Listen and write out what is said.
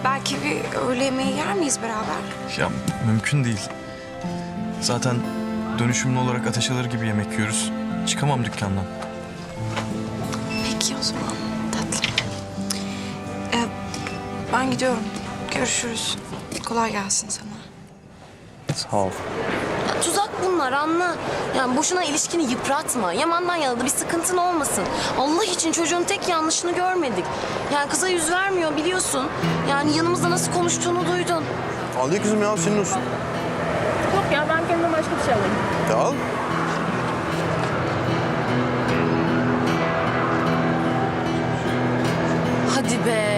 belki bir öğle yemeği yer miyiz beraber? Ya mümkün değil. Zaten dönüşümlü olarak ateş alır gibi yemek yiyoruz. Çıkamam dükkandan. Peki o zaman tatlım. Ben gidiyorum. Görüşürüz. Kolay gelsin sana. Sağ ol. Ya, tuzak bunlar anla. Yani boşuna ilişkini yıpratma. Yaman'dan yana da bir sıkıntın olmasın. Allah için çocuğun tek yanlışını görmedik. Yani kıza yüz vermiyor biliyorsun. Yani yanımızda nasıl konuştuğunu duydun. Al ye kızım ya, senin olsun. Yok ya ben kendime başka bir şey alayım. Ya al. Hadi be.